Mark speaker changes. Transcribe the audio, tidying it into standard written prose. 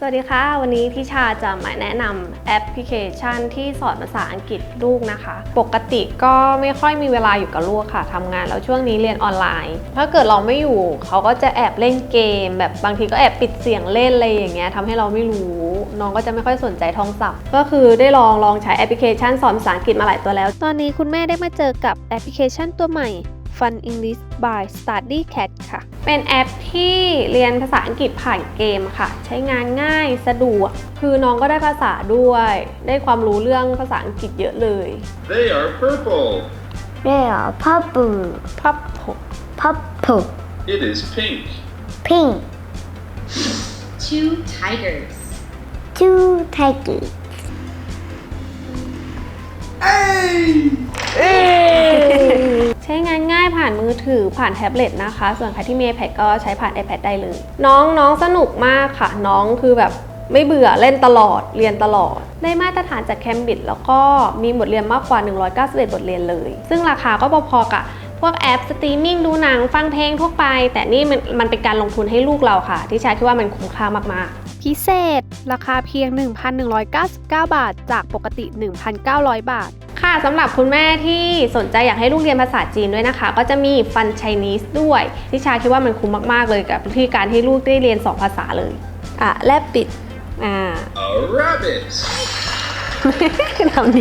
Speaker 1: สวัสดีค่ะวันนี้ทิชาจะมาแนะนำแอปพลิเคชันที่สอนภาษาอังกฤษลูกนะคะปกติก็ไม่ค่อยมีเวลาอยู่กับลูกค่ะทำงานแล้วช่วงนี้เรียนออนไลน์ถ้าเกิดเราไม่อยู่เขาก็จะแอบเล่นเกมแบบบางทีก็แอบปิดเสียงเล่นอะไรอย่างเงี้ยทำให้เราไม่รู้น้องก็จะไม่ค่อยสนใจท่องศัพท์ก็คือได้ลองใช้แอปพลิเคชันสอนภาษาอังกฤษมาหลายตัวแล้วตอนนี้คุณแม่ได้มาเจอกับแอปพลิเคชันตัวใหม่Fun English by Study Cat ค่ะ เป็นแอปที่เรียนภาษาอังกฤษผ่านเกมค่ะ ใช้งานง่ายสะดวก คือน้องก็ได้ภาษาด้วย ได้ความรู้เรื่องภาษาอังกฤษเยอะเลย
Speaker 2: They are purple.
Speaker 3: They are purple.
Speaker 1: พับผม
Speaker 3: Purple.
Speaker 2: It is pink.
Speaker 3: Pink.
Speaker 4: Two tigers.
Speaker 3: Two tigers.
Speaker 1: ใช้งานง่ายผ่านมือถือผ่านแท็บเล็ตนะคะ ส่วนใครที่มี iPad ก็ใช้ผ่าน iPad ได้เลย น้องสนุกมากค่ะ น้องคือแบบไม่เบื่อเล่นตลอดเรียนตลอด ได้มาตรฐานจาก Cambridge แล้วก็มีบทเรียนมากกว่า191บทเรียนเลย ซึ่งราคาก็พอๆกับพวกแอปสตรีมมิ่งดูหนังฟังเพลงทั่วไป แต่นี่มันเป็นการลงทุนให้ลูกเราค่ะ ที่ชาคิดว่ามันคุ้มค่ามากๆพิเศษราคาเพียง 1,199 บาทจากปกติ 1,900 บาทค่ะสำหรับคุณแม่ที่สนใจอยากให้ลูกเรียนภาษาจีนด้วยนะคะก็จะมี Fun Chinese ด้วยที่ชาคิดว่ามันคุ้มมากๆเลยกับที่การให้ลูกได้เรียน2ภาษาเลยแลบปิด
Speaker 2: A rabbit.
Speaker 1: ทำ